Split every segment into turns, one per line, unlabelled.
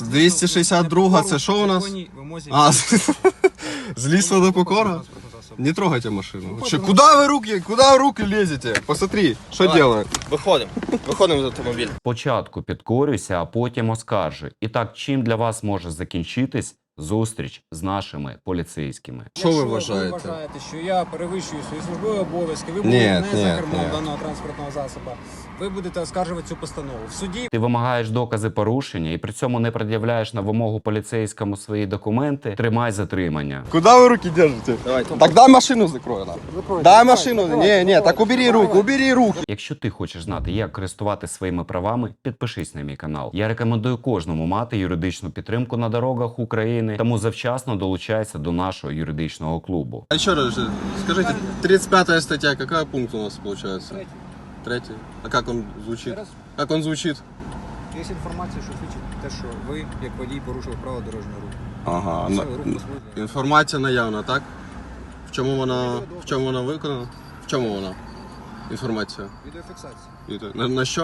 262 це що у нас? А, з лісу до Покора? Не трогайте машину. Куда вы руки лезете? Посмотри, что делают.
Виходимо з автомобіля.
Спочатку підкорюйся, а потім оскаржуй. І так, чим для вас може закінчитись зустріч з нашими поліцейськими?
Що ви
Якщо
вважаєте?
ви вважаєте, що я перевищую свої службові обов'язки, ви
Ні,
будете не
ні,
за кермом
ні.
даного транспортного засобу, ви будете оскаржувати цю постанову. В суді
Ти вимагаєш докази порушення і при цьому не пред'являєш на вимогу поліцейському свої документи, тримай затримання.
Куда вы руки держите?
Давайте.
Так дай машину закрой. Дай машину. Не, так убери руки.
Якщо ти хочеш знати, як користуватися своїми правами, підпишись на мій канал. Я рекомендую кожному мати юридичну підтримку на дорогах України, тому завчасно долучайся до нашого юридичного клубу.
А еще раз, скажите, 35 статья, какой пункт у нас получается? Третий. А как он звучит? Как он звучит?
є інформація, що свідчить те, що ви, як водій, порушили правила дорожнього руху.
Ага.
Все, рух послужний.
Інформація наявна, так? В чому вона виконана? В чому вона? Інформація.
Відеофіксація.
На що?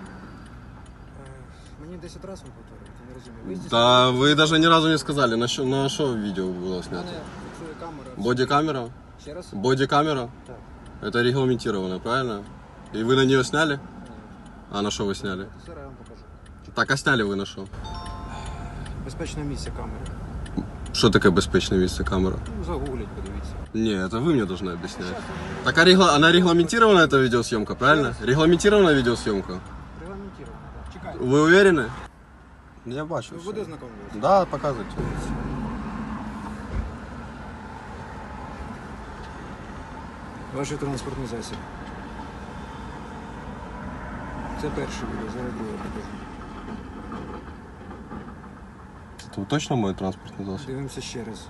Мені 10 разів повторюють, я не розумію.
Та ви навіть ні разу не сказали, на що відео було
У
знято?
мене фіксує камера.
Бодікамера?
Ще раз?
Бодікамера?
Так.
Это регламентировано, правильно? И вы на нее сняли? А на что вы сняли?
Зараз я вам покажу.
Так, а сняли вы на что?
Безпечне місце камери.
Что такое безопасное место камера?
Ну, загугліть, подивіться.
Не, это вы мне должны объяснять. Так, она регламентирована, эта видеосъемка, правильно? Регламентирована видеосъемка?
Регламентировано, так. Чекайте.
Вы уверены? Я бачу.
Ви
всё.
буде знайомитися?
Да, показывайте.
Ваш транспортний засіб. Це перше відео, зараз друге покажу.
Это точно мой транспортный засоб?
Дивимося ще раз.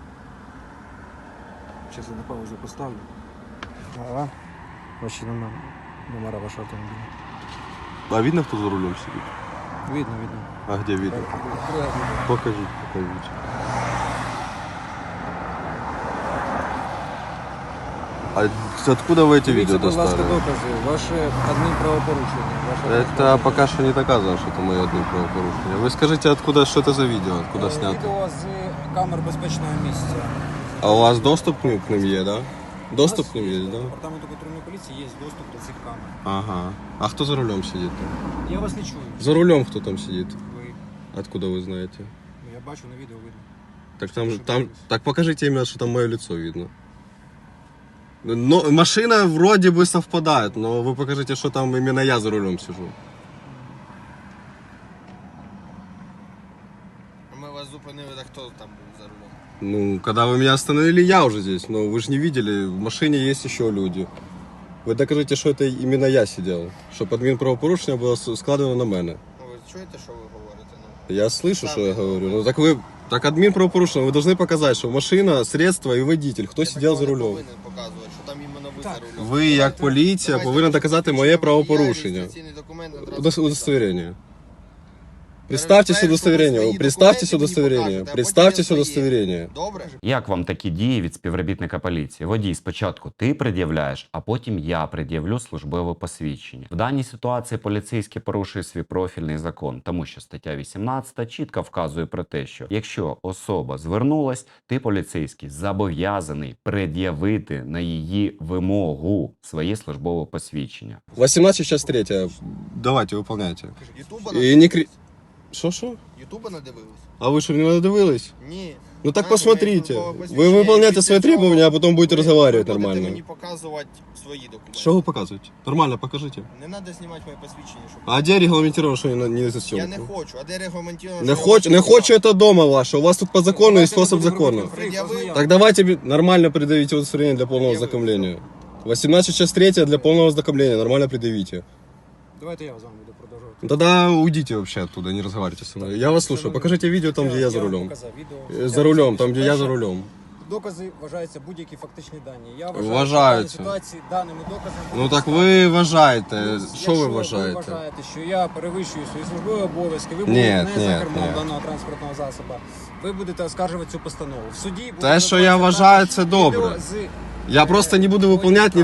Зараз я на паузу поставлю. Ага. Ваші номера вашого автомобіля.
А видно, кто за рулем сидит?
Видно, видно.
А где видно? Покажите. А откуда вы эти видео
Дивіться, будь ласка,
достали?
докази. Ваше адмінправопорушення.
Это пока что не доказано, что это мое одно правопорушение. Вы скажите, откуда, что это за видео, откуда снято?
Відео з камер безпечного місця.
А у вас доступ к ним есть, да? Доступ
У
к
нас
ним
є,
есть, да?
Департаменту патрульної поліції є доступ до цих камер.
Ага. А кто за рулем сидит там?
Я вас не чую.
За рулем кто там сидит?
Ви.
Откуда вы знаете?
Ну, я бачу на відео видно.
Так
Что
там,
дивитесь?
так покажите именно, что там мое лицо видно. Но машина вроде бы совпадает, но вы покажите, что там именно я за рулем сижу.
Ми вас зупинили, так хто там був за рулем?
Ну, когда вы меня остановили, я уже здесь, но вы же не видели, в машине есть еще люди. Вы докажите, что это именно я сидел, щоб адмінправопорушення було складено на мене.
Ну, ви чуєте, що ви говорите? Ну,
Я слышу, что я говорю. Ну так вы, так админправопорушение, вы должны показать, что машина, средство и водитель, хто
я
сидел
такого
за
не
рулем.
повинен показувати, що там іменно ви
Так.
за рулем.
Ви, як поліція, повинні доказати моє правопорушення.
Реєстраційний документ на транспортний
Удостоверение. Представьтесь удостоверение. Представьтесь удостоверение. Представьтесь удостоверение.
Добре?
Як вам такі дії від співробітника поліції? Водій, спочатку ти пред'являєш, а потім я пред'явлю службове посвідчення. В даній ситуації поліцейський порушує свій профільний закон, тому що стаття 18 чітко вказує про те, що якщо особа звернулась, ти, поліцейський, зобов'язаний пред'явити на її вимогу своє службове посвідчення.
18 час 3. Давайте, выполняйте.
Ютуба
І не крі... Що?
Ютуба надивились?
А ви що, не надивились?
Ні.
Ну так
Знаєте,
посмотрите.
моє службове
Вы
посвідчення,
выполняете
після
свои
цього
требования, а потом будете разговаривать
ви будете
нормально.
мені показувати свої документи.
Что вы показываете? Нормально покажите.
Не треба знімати моє посвідчення, щоб...
А где регламентировано, что не за
Я
съемку?
не хочу. А де регламентовано?
Не хочу это дома ваше. У вас тут по закону и способ закону.
Пред'явив.
Так давайте нормально предъявите удостоверение для полного ознакомления. 18 час 3 для полного ознакомления. Нормально предъявите.
Давайте я з вами буду продовжувати.
Тогда уйдите вообще оттуда, не разговаривайте со мной. Я вас слушаю. Покажите видео там, где я за
вам
рулем.
показав відео.
За рулем, там, где я за рулем.
Докази вважаються будь-які фактичні дані. Я вважаю,
Вважаються.
що в даній ситуації даними доказами...
Ну так ви вважаєте. Що ви
Якщо
вважаєте?
ви вважаєте, що я перевищую свої службові обов'язки, ви
Ні,
будете не
ні,
за кермом
ні.
даного транспортного засобу, ви будете оскаржувати цю постанову. В суді буде
Те, що я
виконуватися
вважаю,
також
це добре.
відео з
Я просто не буду выполнять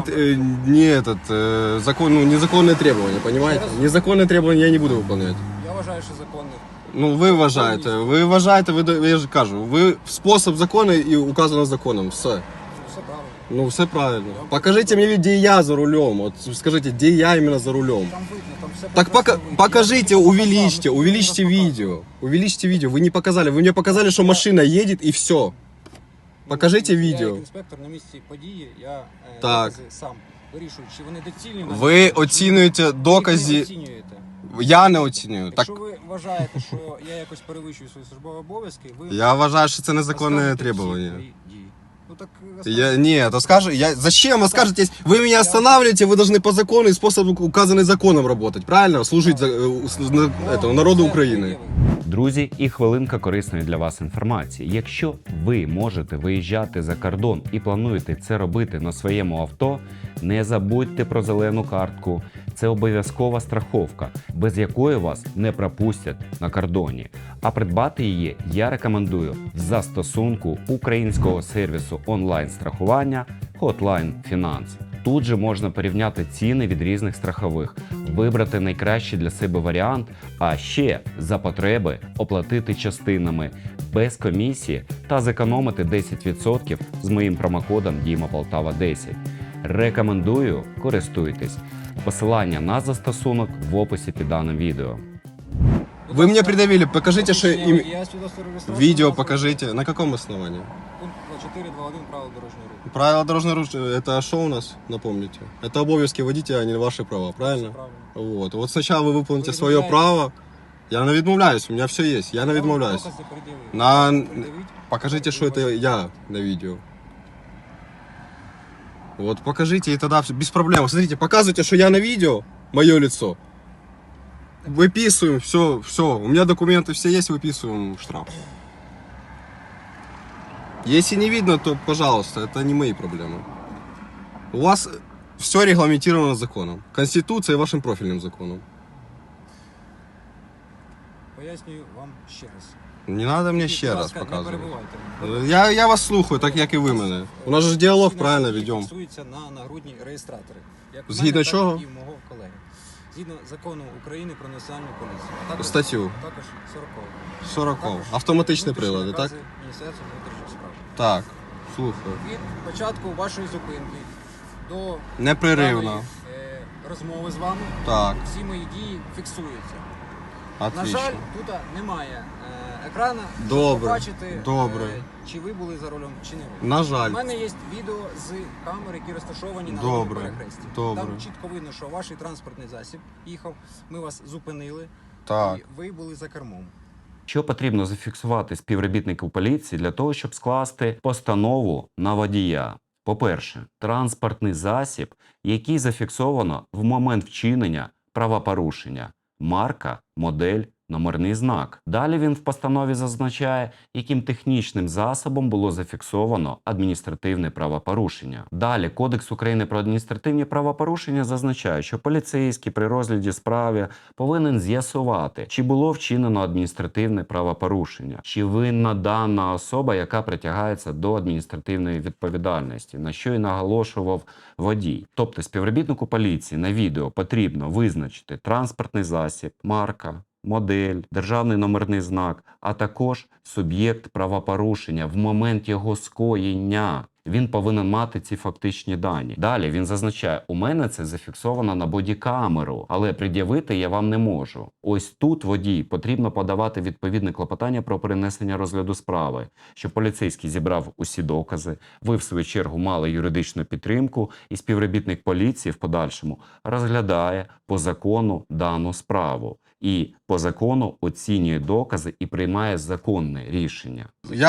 незаконные требования, понимаете? Незаконные требования я не буду выполнять.
Я вважаю, що законних.
Ну, ви вважаєте, я ж кажу, ви спосіб закону і указано законом, все.
Все правильно.
Ну, все правильно. Покажите мне, где я за рулем, вот скажите, где я именно за рулем.
Там видно, там все
Так
прекрасно видно.
покажите,
Я вам
увеличьте,
показав,
увеличьте
показав.
видео. Увеличьте видео, вы не показали, вы мне показали, что машина едет и все. Покажите
Я
видео.
як інспектор на місці події, я
Так.
докази сам вирішую, чи вони доцільні.
Ви оцінюєте докази,
Ви не оцінюєте.
я не оцінюю. Так,
Якщо ви вважаєте, що я якось перевищую свої службові обов'язки, ви
я вважаю, що це незаконне
розкажете всі
требування.
свої дії. Ну так
Я, нет, то скажи, зачем вы скажете, вы меня останавливаете, вы должны по закону и способ, указанный законом, работать, правильно? Служить народу України.
Друзі, і хвилинка корисної для вас інформації. Якщо ви можете виїжджати за кордон і плануєте це робити на своєму авто, не забудьте про зелену картку. Це обов'язкова страховка, без якої вас не пропустять на кордоні. А придбати її я рекомендую в застосунку українського сервісу онлайн-страхування Hotline Finance. Тут же можна порівняти ціни від різних страхових, вибрати найкращий для себе варіант, а ще за потреби оплатити частинами без комісії та зекономити 10% з моїм промокодом DIMAPOLTAVA10. Рекомендую, користуйтесь. Посилання на застосунок в описі під даним відео.
Вы мне придавили, покажите, что
Я свідоцтво реєстрації
видео
власного-
покажите. На каком основании?
Пункт 4.2.1 правил дорожнього руху.
Правила дорожного руха, это что у нас, напомните? Это обов'язки водителя, а не ваши права,
Все
правильно?
правильно.
Вот сначала вы выполните
Вы
свое
відмовляєтесь?
право. Я не відмовляюсь, у меня все есть, я не відмовляюсь.
Докази пред'явив.
На...
Пред'явіть.
Покажите, что это я на видео. Вот покажите, и тогда все, без проблем. Смотрите, показывайте, что я на видео, мое лицо. Выписываем, все. У меня документы все есть, выписываем штраф. Если не видно, то, пожалуйста, это не мои проблемы. У вас все регламентировано законом. Конституцией и вашим профильным законом.
Пояснюю вам ще раз.
Не надо мне ще
Будь
раз
ласка, не
показывать.
перебивайте.
Я вас слухаю, так як і ви мене. У нас же діалог
Згідно
правильно
статті
ведемо.
Фіксується на нагрудні реєстратори. Як у
Згідно
мене,
чого?
Так і в мого колеги. Згідно закону України про національну поліцію. А також,
Статтю.
Також 40.
40.
Також
Автоматичні
внутрішні
прилади, так?
накази Міністерства внутрішніх справ.
Так, слухаю.
Від початку вашої зупинки до
Непреривно.
даної, розмови з вами
Так,
всі мої дії фіксуються. На
отлично.
жаль, тут немає екрана, щоб
Добре,
побачити,
добре.
чи ви були за рулем, чи не ви.
На
У
жаль.
мене є відео з камер, які розташовані на
Добре,
дорожньому перехресті.
добре.
Там чітко видно, що ваш транспортний засіб їхав, ми вас зупинили,
Так.
і ви були за кермом.
Що потрібно зафіксувати співробітнику поліції для того, щоб скласти постанову на водія? По-перше, транспортний засіб, який зафіксовано в момент вчинення правопорушення. Марка, модель, номерний знак. Далі він в постанові зазначає, яким технічним засобом було зафіксовано адміністративне правопорушення. Далі Кодекс України про адміністративні правопорушення зазначає, що поліцейський при розгляді справи повинен з'ясувати, чи було вчинено адміністративне правопорушення, чи винна дана особа, яка притягається до адміністративної відповідальності, на що і наголошував водій. Тобто співробітнику поліції на відео потрібно визначити транспортний засіб, марка, модель, державний номерний знак, а також суб'єкт правопорушення в момент його скоєння. Він повинен мати ці фактичні дані. Далі він зазначає, у мене це зафіксовано на бодікамеру, але пред'явити я вам не можу. Ось тут водій потрібно подавати відповідне клопотання про перенесення розгляду справи, щоб поліцейський зібрав усі докази, ви в свою чергу мали юридичну підтримку, і співробітник поліції в подальшому розглядає по закону дану справу. І по закону оцінює докази і приймає законне рішення.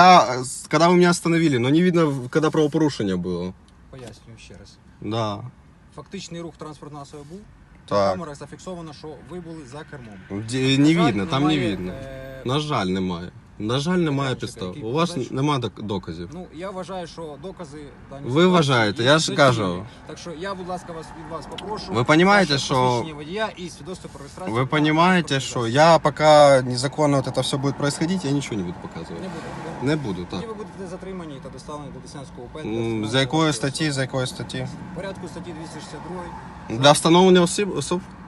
Когда вы меня остановили, но не видно, когда правопорушение было.
Пояснюю ще раз.
Да,
Фактичний рух транспортного засобу був. На
так.
камерах зафіксовано, що ви були за кермом.
Не
На жаль,
видно, там не
немає,
видно. На жаль, немає. На жаль, немає підстав. У вас немає доказів.
Ну, я вважаю, що докази в даній
Ви
ситуації
вважаєте,
є
я ж
доцільними.
кажу.
Так що я, будь ласка, від вас попрошу.
Ви понімаєте,
ваше
що-
посвідчення водія і свідоцтво про реєстрацію.
Вы
на
понимаете,
транспортний
что
засіб.
я пока незаконно вот это все будет происходить, я ничего не буду показывать.
Не буду.
Не буду, так.
Тоді ви будете затримані та доставлені до Деснянського УП.
За якої статті, за якої статті?
В порядку статті 262.
Для встановлення осіб?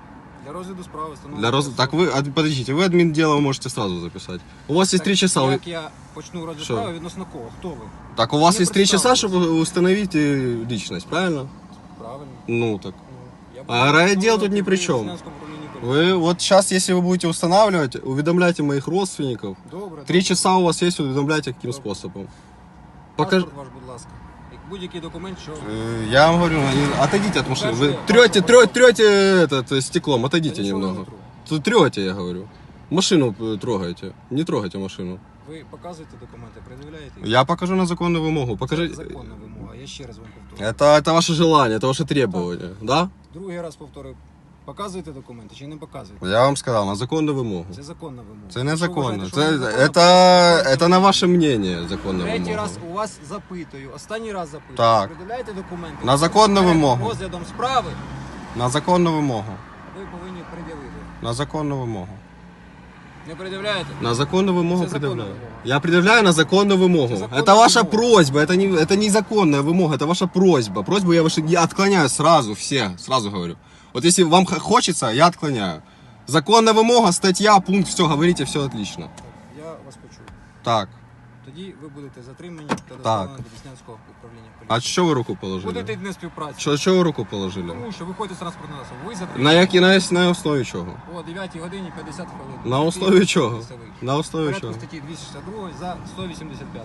Для розгляду справи
Так вы, подождите, вы админ дела можете сразу записать. У вас есть 3 часа.
Як я почну розгляд
Що?
справи, відносно кого? Хто ви?
Так у вас
Не
есть 3 часа,
представились.
чтобы установить личность, правильно?
Правильно.
Ну так.
Я
А райотдел тут ни при чем.
Деснянському управлінні поліції.
Вы вот сейчас, если вы будете устанавливать, уведомляйте моих родственников.
Добре.
3 часа у вас есть, уведомляйте каким
Добре.
способом.
Паспорт ваш, будь ласка. Як будь-який документ, що...
Я вам говорю, отойдите от машины. Вы
Покажите,
трете это стеклом, отойдите
Я нічого не
немного.
тру.
Тут трете, я говорю. Машину трогаете. Не трогайте машину.
Ви показуєте документи, пред'являєте їх?
Я покажу на законную вымогу.
Це
Покажи.
законна вимога, я ще раз вам повторюю.
Это ваше желание, это ваше требование, да?
Другий раз повторюю. Показуєте документи чи не показуєте?
Я вам сказал, на законную вымогу.
Це законна вимога.
Це
Якщо
незаконно.
вважаєте, що
Це,
незаконно,
это на ваше мнение законна
Третій
вимога.
раз у вас запитую, останній раз запитую.
Так.
Пред'являєте документи.
На законну
Перед
вимогу.
розглядом справи
На законну вимогу.
ви повинні пред'явити.
На законну вимогу.
Не пред'являєте?
На законную вымогу
Это законная
предъявляю.
вымога.
Я предъявляю на законную вымогу.
Это законная
Это ваша
вымога.
просьба, это не законная вымога, это ваша просьба. Просьбу я отклоняю сразу, все, сразу говорю. Вот если вам хочется, я отклоняю. Законная вымога, статья, пункт, все, говорите, все отлично.
Так, я вас почув.
Так,
Тоді ви будете затримані та доставлені до Деснянського управління
а
поліції.
что вы руку положили?
Будете не співпраці.
Что вы руку положили?
Тому що виходите з транспортного засобу. Ви затримані.
На основі чого?
О 9 годині 50 хвилин.
На основі чого?
Місцевий.
На основі
Порядку
чого?
статті 262 за 185.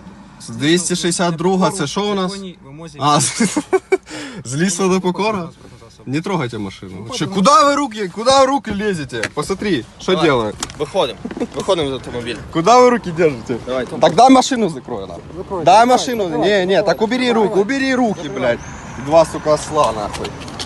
262 це що у нас? А, з лісу до покора? Не трогайте машину.
Ну,
Че,
пожалуйста.
куда вы руки лезете? Посмотри, что
Давай.
делаю.
Выходим из автомобиля.
Куда вы руки держите?
Давайте.
Тогда машину закрой нам. Дай машину. Не, так убери руки, блядь. Два, сука, осла, нахуй.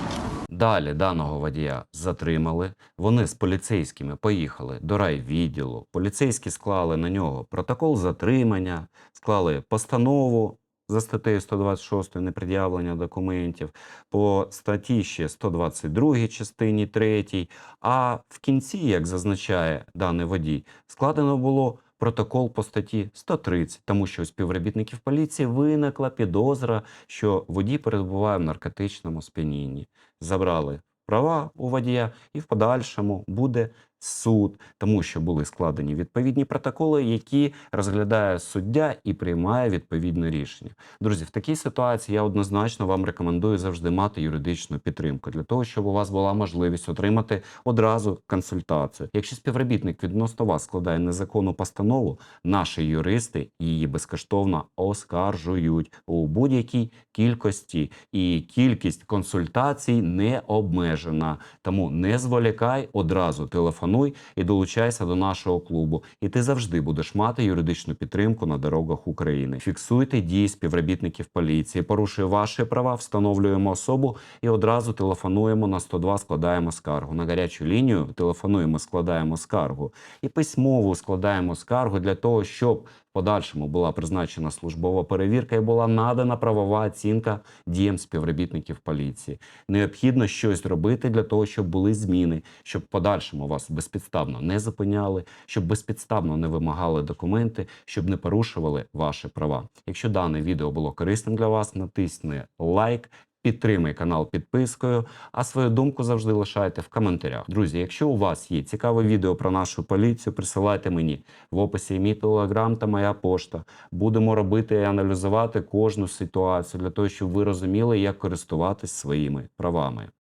Далі даного водія затримали. Вони з поліцейськими поїхали до райвідділу. Поліцейські склали на нього протокол затримання, склали постанову за статтею 126 непред'явлення документів, по статті ще 122 частині 3, а в кінці, як зазначає даний водій, складено було протокол по статті 130, тому що у співробітників поліції виникла підозра, що водій перебуває в наркотичному сп'янінні. Забрали права у водія і в подальшому буде суд, тому що були складені відповідні протоколи, які розглядає суддя і приймає відповідне рішення. Друзі, в такій ситуації я однозначно вам рекомендую завжди мати юридичну підтримку, для того, щоб у вас була можливість отримати одразу консультацію. Якщо співробітник відносно вас складає незаконну постанову, наші юристи її безкоштовно оскаржують у будь-якій кількості, і кількість консультацій не обмежена. Тому не зволікай, одразу телефонуй і долучайся до нашого клубу. І ти завжди будеш мати юридичну підтримку на дорогах України. Фіксуйте дії співробітників поліції, порушує ваші права, встановлюємо особу і одразу телефонуємо на 102, складаємо скаргу. На гарячу лінію телефонуємо, складаємо скаргу. І письмово складаємо скаргу для того, щоб в подальшому була призначена службова перевірка і була надана правова оцінка діям співробітників поліції. Необхідно щось робити для того, щоб були зміни, щоб в подальшому вас безпідставно не зупиняли, щоб безпідставно не вимагали документи, щоб не порушували ваші права. Якщо дане відео було корисним для вас, натисни лайк, підтримай канал підпискою, а свою думку завжди лишайте в коментарях. Друзі, якщо у вас є цікаве відео про нашу поліцію, присилайте мені. В описі мій телеграм та моя пошта. Будемо робити і аналізувати кожну ситуацію для того, щоб ви розуміли, як користуватись своїми правами.